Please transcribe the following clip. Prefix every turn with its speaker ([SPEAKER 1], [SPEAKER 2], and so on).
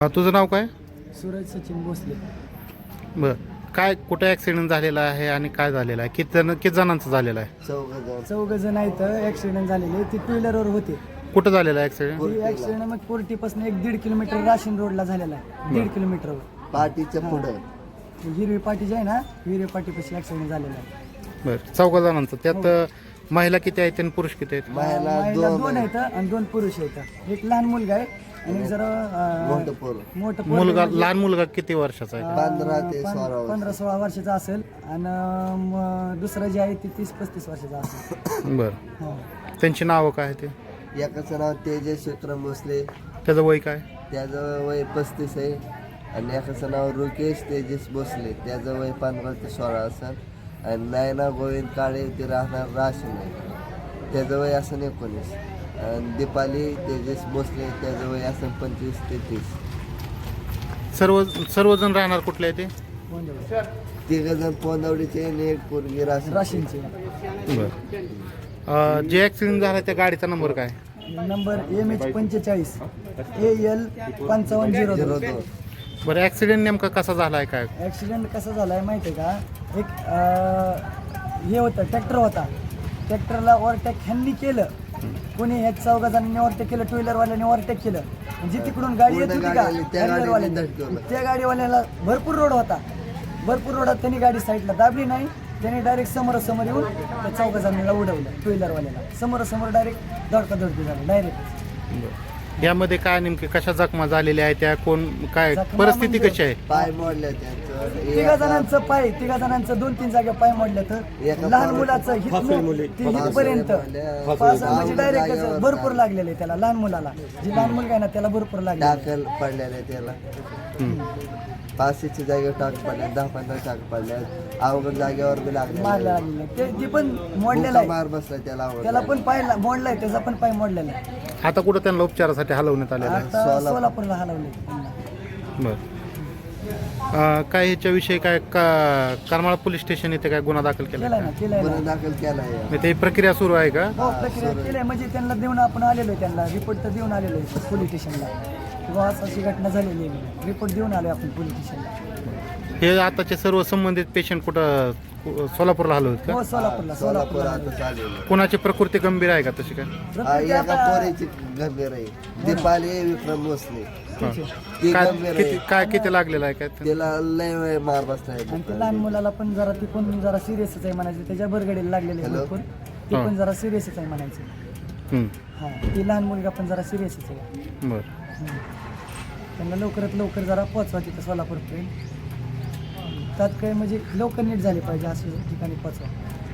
[SPEAKER 1] तुझं नाव काय?
[SPEAKER 2] सूरज सचिन भोसले.
[SPEAKER 1] बरं. काय कुठे ॲक्सिडेंट झालेला आहे आणि काय झालेलं आहे? किती जणांचं झालेलं आहे?
[SPEAKER 2] चौघ जण आहेत. ॲक्सिडेंट झालेले ती टू व्हीलरवर होते.
[SPEAKER 1] कुठं झालेलं आहे ॲक्सिडेंट?
[SPEAKER 2] ती ॲक्सिडेंट मग कोर्टीपासून 1-1.5 किलोमीटर राशीन रोडला झालेला आहे. 1.5 किलोमीटरवर
[SPEAKER 3] पाठीच्या पुढं
[SPEAKER 2] हिरवी पाटी जी आहे ना, हिरवी पाटीपाशी ॲक्सिडेंट झालेला आहे.
[SPEAKER 1] बरं. 4 जणांचं. त्यात महिला किती आहेत आणि पुरुष किती आहेत?
[SPEAKER 2] महिला 2 आहेत आणि 2 पुरुष आहेत. एक लहान मुलगा आहे आणि जरा
[SPEAKER 3] मोठं पोरं.
[SPEAKER 2] मोठं
[SPEAKER 1] मुलगा, लहान मुलगा किती वर्षाचा आहे?
[SPEAKER 3] 15 ते 16 वर्ष.
[SPEAKER 2] 15-16 वर्षाचा असेल आणि दुसरं जे आहे ते 30-35 वर्षाचा असेल.
[SPEAKER 1] बरं.
[SPEAKER 2] हो.
[SPEAKER 1] त्यांची नावं काय आहे ते?
[SPEAKER 3] एकाचं नाव तेजस विक्रम भोसले,
[SPEAKER 1] त्याचं वय काय?
[SPEAKER 3] त्याचं वय 35 आहे. आणि एकाचं नाव रुकेश तेजस भोसले, त्याचं वय 15 ते 16 असेल. आणि नायना गोविंद काळे, ते राहणार राशीन आहे, त्याचं वय असं 19. आणि दीपाली तेजस भोसले, त्याचं वय असं 25 ते 30.
[SPEAKER 1] सर्वजण राहणार कुठले आहे ते?
[SPEAKER 2] कोंडवली.
[SPEAKER 3] 3 जण पोंदवडीचे आणि एक पोरगी राशीन.
[SPEAKER 2] राशीनचे.
[SPEAKER 1] बरं. जे ॲक्सिडेंट झाला त्या गाडीचा नंबर काय?
[SPEAKER 2] Number MH45 AL 5502.
[SPEAKER 1] बरं. ॲक्सिडेंट नेमका कसा झाला आहे काय?
[SPEAKER 2] ॲक्सिडेंट कसा झाला आहे माहिती आहे का? एक हे होतं, ट्रॅक्टर होता. ट्रॅक्टरला ओव्हरटेक ह्यांनी केलं, कोणी ह्या 4 जणांनी ओव्हरटेक केलं, टू व्हीलरवाल्याने ओव्हरटेक केलं. म्हणजे तिकडून गाडी येत होती का,
[SPEAKER 3] त्या गाडीवाल्याने
[SPEAKER 2] त्या गाडीवाल्याला भरपूर रोड होता. भरपूर रोडात त्यांनी गाडी साईडला दाबली नाही. त्याने डायरेक्ट समोरासमोर येऊन त्या 4 जणांना उडवलं. टू व्हीलरवाल्याला समोरासमोर डायरेक्ट धडकाधडकी झालं डायरेक्ट.
[SPEAKER 1] यामध्ये काय नेमके कशा जखमा झालेल्या आहेत त्या? कोण काय
[SPEAKER 2] जखमा
[SPEAKER 1] परिस्थिती
[SPEAKER 2] म्हणजे
[SPEAKER 1] कशी आहे?
[SPEAKER 3] पाय मोडले त्यांचं.
[SPEAKER 2] 3 जणांचं पाय, 3 जणांचं 2-3 जागा पाय मोडल्या. तर
[SPEAKER 3] एका
[SPEAKER 2] लहान मुलाचं हितपर्यंत म्हणजे डायरेक्ट भरपूर लागलेलं आहे त्याला. लहान मुलाला, जी लहान मुलगा आहे ना, त्याला भरपूर लागले.
[SPEAKER 3] टाकल पडलेले त्याला. 5च्या जागेवर टाक पडल्या, 10-15 टाक पडल्या. अवघड जागेवर बी लागले.
[SPEAKER 2] मारला ती पण मोडलेला आहे.
[SPEAKER 3] मार बसला त्याला.
[SPEAKER 2] त्याला पण पाय मोडलाय, त्याचा पण पाय मोडलेला आहे.
[SPEAKER 1] आता कुठं त्यांना उपचारासाठी हलवण्यात आलेलं आहे?
[SPEAKER 2] आता सोलापूरला हलवले.
[SPEAKER 1] बरं. काय ह्याच्याविषयी काय करमाळा पोलीस स्टेशन इथे काय गुन्हा दाखल केला?
[SPEAKER 2] केलाय ना, केलाय
[SPEAKER 3] गुन्हा
[SPEAKER 2] ना.
[SPEAKER 3] दाखल केलाय.
[SPEAKER 1] म्हणजे ते प्रक्रिया सुरू आहे का?
[SPEAKER 2] हो, प्रक्रिया केली म्हणजे त्यांना देऊन आपण आलेलो आहे. त्यांना रिपोर्ट तर देऊन आलेलो आहे पोलीस स्टेशनला, किंवा अशी घटना झालेली आहे. रिपोर्ट देऊन आलो आपण पोलीस स्टेशनला.
[SPEAKER 1] हे आताचे सर्व संबंधित पेशंट कुठं सोलापूरला हलवत का?
[SPEAKER 2] हो, सोलापूरला.
[SPEAKER 3] सोलापूर आता चालेल.
[SPEAKER 1] कोणाची प्रकृती गंभीर आहे का तशी काय?
[SPEAKER 3] एका पोरीची गंभीर आहे, दीपाली विक्रम भोसले. ती
[SPEAKER 1] काय
[SPEAKER 3] गंभीर आहे.
[SPEAKER 1] किती लागलेलं आहे काय?
[SPEAKER 3] तिला लय मार बसलाय.
[SPEAKER 2] आणि ते लहान मुलाला पण जरा, ती पण जरा सिरियसच आहे म्हणायचं. त्याच्या बरगडीला लागलेले आहे भरपूर. ती पण जरा सिरियसच आहे म्हणायचं. हां, ती लहान मुलगा पण जरा सिरियसच आहे.
[SPEAKER 1] बरं.
[SPEAKER 2] त्यांना लवकरात लवकर जरा पोचवा तिथं सोलापूरपर्यंत. तात्काळ म्हणजे लवकर नीट झाली पाहिजे, अशा ठिकाणी पोचवा.